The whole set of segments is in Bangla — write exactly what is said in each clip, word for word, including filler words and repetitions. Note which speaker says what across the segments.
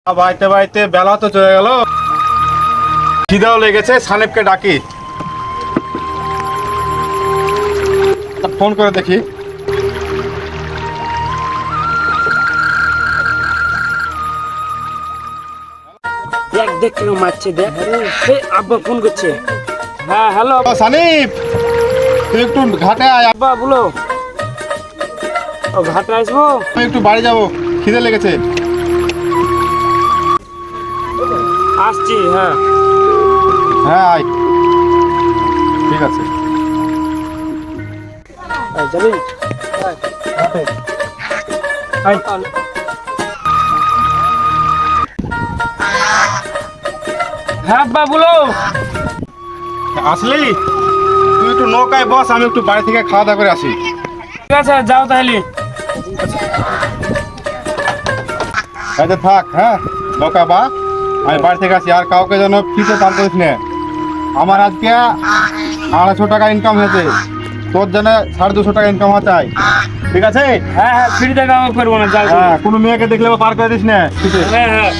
Speaker 1: বাইতে বাইতে বেলা তো চলে গেল, খিদাও লেগেছে। সানেবকে ডাকি, ফোন করে দেখি।
Speaker 2: দেখ দেখ কেন মারছে, দেখ। এই আব্বা ফোন করছে। হ্যাঁ হ্যালো
Speaker 1: ও সানিব, তুই একটু ঘাটে আয়।
Speaker 2: আব্বা বলো। ও ঘাটে আসবো?
Speaker 1: আমি একটু বাড়ি যাবো, খিদে লেগেছে।
Speaker 2: আসছি। হ্যাঁ
Speaker 1: হ্যাঁ আয়, ঠিক আছে।
Speaker 2: এই যাবি? আয়। হ্যাঁ আব্বা বলো।
Speaker 1: আসলি তুই একটু নৌকায় বস, আমি একটু বাড়ি থেকে খাওয়া দাওয়া করে আসি।
Speaker 2: ঠিক আছে যাও তাহলে।
Speaker 1: আচ্ছা থাক, হ্যাঁ নৌকা বা, আমি বাড়ি থেকে আসি। আর কাউকে যেন ফিতে পার করিস না। আমার আজকে আড়াইশো টাকা ইনকাম হয়েছে, তোর যেন সাড়ে দুশো টাকা ইনকাম হওয়া চাই, ঠিক আছে?
Speaker 2: হ্যাঁ হ্যাঁ ফ্রি টাকা আমি করবো না, যাও।
Speaker 1: হ্যাঁ, কোনো মেয়েকে দেখলে পার করে দিস না ফিতে।
Speaker 2: হ্যাঁ হ্যাঁ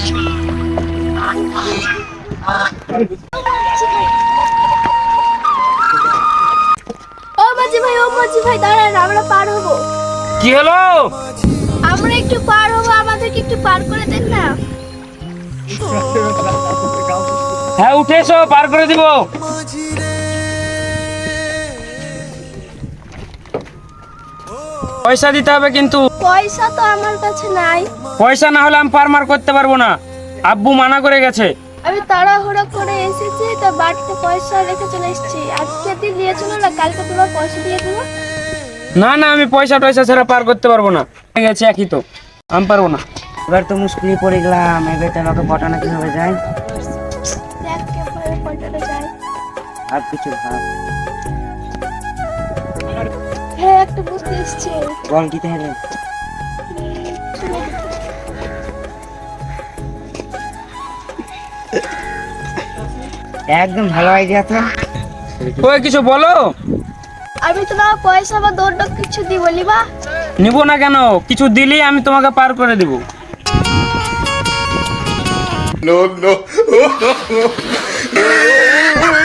Speaker 3: ও মাঝি ভাই, ও মাঝি ভাই দাঁড়ান, আমরা পার হবো।
Speaker 2: কি হলো?
Speaker 3: আমরা একটু পার হবো, আমাদেরকে একটু পার করে দেন না।
Speaker 2: হ্যাঁ উঠে এসো, পার করে দিব। পয়সা দিতে হবে কিন্তু।
Speaker 3: পয়সা তো আমার কাছে নাই।
Speaker 2: পয়সা না হলে আমি পার মার করতে পারবো না, আব্বু মানা করে গেছে।
Speaker 3: আমি তাড়াহুড়ো করে এসেছি, তো বাড়িতে পয়সা রেখে চলে এসেছি। আজকে দিন দিয়ে চলো না, কালকে তোমার পয়সা দিয়ে দেবো।
Speaker 2: না না, আমি পয়সা টয়সা ছাড়া পার করতে পারবো না। হয়ে গেছে একই তো, আমি পারবো না।
Speaker 4: এবার তো মুশকিলে পড়ে গেলাম, এবার তোমাকে পটানো কিভাবে যায়?
Speaker 3: দেখ কিভাবে পয়সাটা যায়।
Speaker 4: আর কিছু ভাব,
Speaker 3: হ্যাঁ একটা বুঝতে এসছি।
Speaker 4: বল কি তাহলে? একদম ভালো আইডিয়া তো।
Speaker 2: ওই কিছু বলো।
Speaker 3: আমি তোমার পয়সা বা দৌড় কিছু দিব লিবা।
Speaker 2: নিব না কেন, কিছু দিলি আমি তোমাকে পার করে দিব।
Speaker 1: No, no.